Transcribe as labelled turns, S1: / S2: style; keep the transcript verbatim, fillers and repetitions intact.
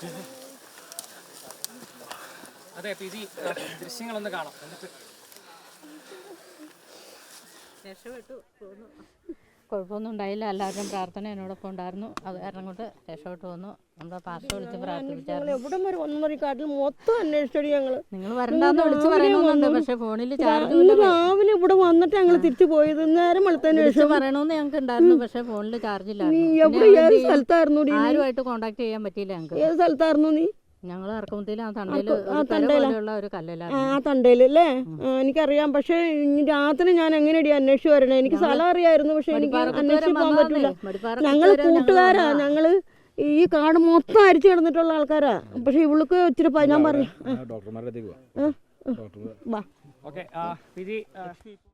S1: അതെ P G ദൃശ്യങ്ങളൊന്ന് കാണാം.
S2: രക്ഷപ്പെട്ടു പോന്നു. കുഴപ്പമൊന്നും ഉണ്ടായില്ല. എല്ലാവരും പ്രാർത്ഥന എന്നോടൊപ്പം ഉണ്ടായിരുന്നു. അത് കാരണം കൊണ്ട് രക്ഷപ്പെട്ടു വന്നു. നമ്മുടെ പാർട്ടി വിളിച്ച് പ്രാർത്ഥിപ്പിച്ചായിരുന്നു.
S3: എവിടം വരെ ഒന്നരക്കാട്ടിൽ മൊത്തം അന്വേഷിച്ചടി ഞങ്ങള്.
S2: നിങ്ങൾ വരണ്ടാന്ന് വിളിച്ച് പറയുന്നുണ്ട്. പക്ഷെ ഫോണിൽ ചാർജ്
S3: രാവിലെ ഇവിടെ വന്നിട്ട് ഞങ്ങൾ തിരിച്ചു പോയത്. നേരം വെളുത്തതിന് ശേഷം
S2: പറയണമെന്ന് ഞങ്ങൾക്ക് ഉണ്ടായിരുന്നു. പക്ഷെ ഫോണിൽ ചാർജ് ഇല്ലായിരുന്നു.
S3: എവിടെ ഏത് സ്ഥലത്തായിരുന്നു?
S2: ആരുമായിട്ട് കോണ്ടാക്ട് ചെയ്യാൻ പറ്റിയില്ല ഞങ്ങൾക്ക്.
S3: ഏത് സ്ഥലത്തായിരുന്നു നീ?
S2: ഞങ്ങൾ ഇറക്കുമ്പത്തിൽ ആ തണ്ടയിലുള്ള ഒരു കല്ലിലാണ്.
S3: ആ തണ്ടയിലല്ലേ? എനിക്കറിയാം. പക്ഷെ രാത്രി ഞാൻ എങ്ങനെയടി അന്വേഷിച്ച് വരണേ? എനിക്ക് സ്ഥലം അറിയായിരുന്നു. പക്ഷെ എനിക്ക് അന്വേഷിച്ച് പോകാൻ പറ്റില്ല. ഞങ്ങള് കൂട്ടുകാരാ. ഞങ്ങള് ഈ കാട് മൊത്തം അരിച്ചു കിടന്നിട്ടുള്ള ആൾക്കാരാ. പക്ഷെ ഇവൾക്ക് ഇച്ചിരി ഞാൻ പറയാം.
S1: ഓക്കെ